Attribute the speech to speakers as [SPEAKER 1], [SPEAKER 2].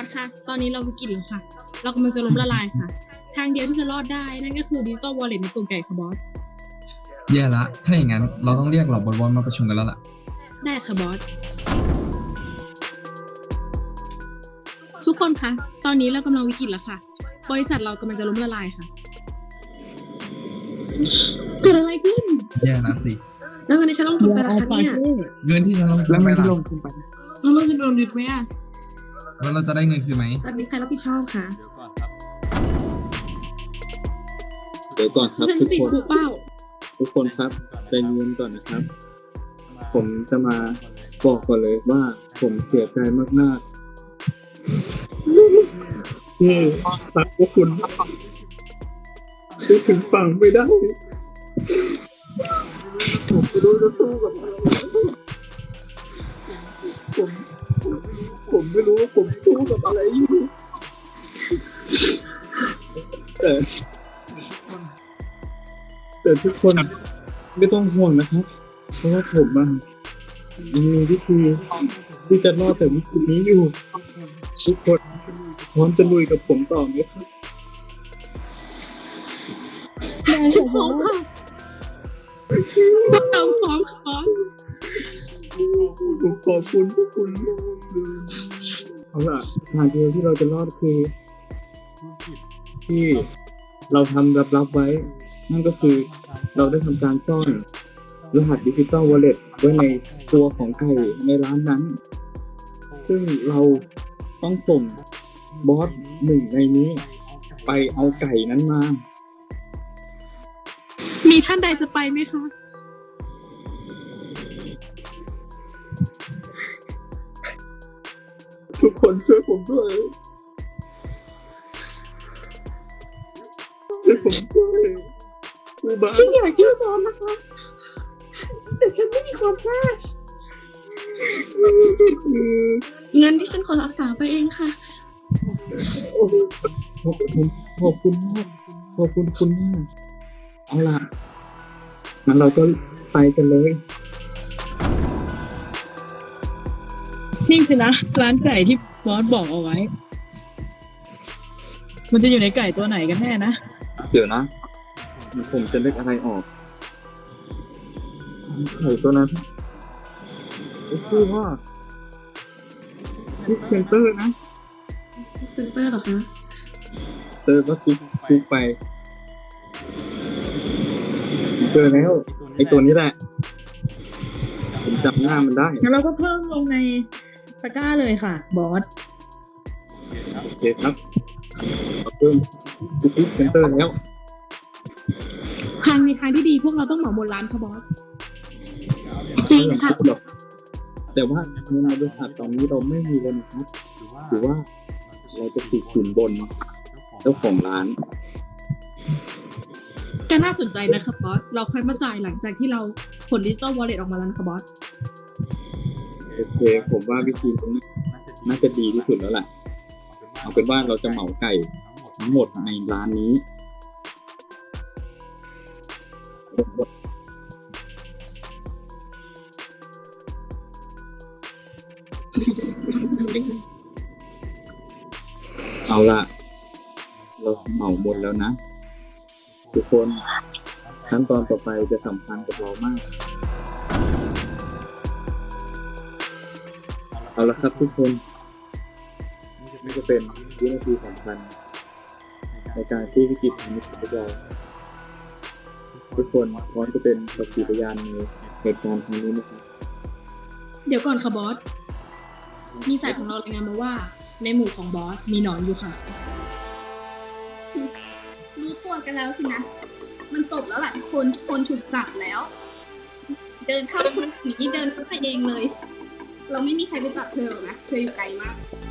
[SPEAKER 1] สค่ะตอนนี้เราวิกฤตแล้วค่ะเรากำลังจะล้มละลายค่ะทางเดียวที่จะรอดได้นั่นก็คือดิจิตอลวอลเล็ตในตัวไก่ค่ะบอส
[SPEAKER 2] แย่ละถ้าอย่างนั้นเราต้องเรียกเหล่าบอลมาประชุมกันแล้วล่ะ
[SPEAKER 1] ได้ค่ะบอสทุกคนคะตอนนี้เรากำลังวิกฤตแล้วค่ะบริษัทเรากำลังจะล้มละลายค่ะเกิดอะไรขึ้น
[SPEAKER 2] แย่นะสิ
[SPEAKER 1] แล้ววันนี้ฉันลงทุนไปราคาเนี่ย
[SPEAKER 2] เงินที่ฉันลงทุนไปล่ะ
[SPEAKER 1] เราลงทุนโดนยึดไหมอ่ะ
[SPEAKER 2] แล้วเราจะได้เงินคืนไหม
[SPEAKER 1] ตอนนี้ใครรับผิดชอบคะ
[SPEAKER 3] เดี๋ยวก่อนครับ
[SPEAKER 1] ฉัน
[SPEAKER 3] ทุก
[SPEAKER 1] ติด
[SPEAKER 3] คน
[SPEAKER 1] คุกเป้า
[SPEAKER 3] ทุกคนครับใจเย็นก่อนนะครับ ผมจะมาบอกก่อนเลยว่าผมเสียใจมากๆที่รักพวกคุณที่ถึงฝั่งไม่ได้ผมไม่รู้จะสู้กับอะไรผมผมไม่รู้ว่าผมสู้กับอะไรอยู่แต่แต่ทุกคนไม่ต้องห่วงนะครับเพราะว่าผมมีวิธีที่จะรอดแต่วิธีนี้อยู่ ทุกคนพร้อมจะลุยกับผมต่อไหมครับ
[SPEAKER 1] ฉันพร้อมค่ะเราพร้อมค่ะบอส
[SPEAKER 3] ผมขอบคุณทุกคนเอาล่ะทางเดียวที่เราจะรอดคือที่เราทำลับๆไว้ นั่นก็คือเราได้ทำการซ่อนรหัสดิจิตอลวอลเล็ตไว้ในตัวของไก่ในร้านนั้น ซึ่งเราต้องส่งบอสหนึ่งในนี้ ไปเอาไก่นั้นมา
[SPEAKER 1] มีท่านใดจะไปไหมคะ
[SPEAKER 3] ทุกคนช่วยผมด้วยช่วยผมด้วยคือบ้า
[SPEAKER 1] ฉันอยากช่วยบอสนะคะ แต่ฉันไม่มีความกล้าเงินที่ฉันขอรักษาไปเองค่ะ
[SPEAKER 3] โอ้โหผมขอบคุณมากขอบคุณคุณมากเอาล่ะงั้นเราก็ไปกันเลย
[SPEAKER 4] นี่คือนะร้านไก่ที่บอสบอกเอาไว้ มันจะอยู่ในไก่ตัวไหนกันแน่นะ
[SPEAKER 3] เดี๋ยวนะผมจะนึกอะไรออกไก่ตัวนั้นชื่อว่าซิกเซนเตอร์นะ
[SPEAKER 1] เซ็นเตอร์เหรอคะ
[SPEAKER 3] เจอก็ซุกไปเจอแล้วไอ้ตัวนี้แหละ ผมจำหน้ามันได้
[SPEAKER 4] งั้นเราก็เพิ่มลงในตะกร้าเลยค่ะ บอส
[SPEAKER 3] โอเคครับเราเพิ่มซิกเซนเตอร์แล้ว
[SPEAKER 1] ทางในทางที่ดีพวกเราต้องเหมาหมดร้านค่ะบอส จริงค่ะ
[SPEAKER 3] แต่ว่าเงินในบริษัทตอนนี้เราไม่มีเลยนะครับถือว่าเราจะถูกขืนบนเจ้าของร้าน
[SPEAKER 1] ก็น่าสนใจนะคะบอส เราค่อยมาจ่ายหลังจากที่เราผลดิจิตอลวอลเล็ตออกมาแล้วนะคะบอส
[SPEAKER 3] โอเค ผมว่าวิธีนี้น่าจะดีที่สุดแล้วแหละเอาเป็นว่าเราจะเหมาไก่ทั้งหมดในร้านนี้ เอาล่ะ เราเหมาหมดแล้วนะ ทุกคนขั้นตอนต่อไปจะสำคัญกับเรามาก เอาละครับทุกคนนี่จะเป็นวินาทีสำคัญในการที่วิกฤตทางนี้ของพวกเราทุกคนพร้อมจะเป็นสักขีพยานในเหตุการณ์ครั้งนี้นะครับ
[SPEAKER 1] เดี๋ยวก่อนค่ะบอส มีสายของเรารายงานมาว่า ในหมู่ของบอสมีหนอนอยู่ค่ะ
[SPEAKER 5] รู้ตัวกันแล้วสินะ มันจบแล้วแหละทุกคนถูกจับแล้ว เดินเข้าคนหนีเดินเข้าไปเองเลย เราไม่มีใครไปจับเธอหรอกนะ เธออยู่ไกลมาก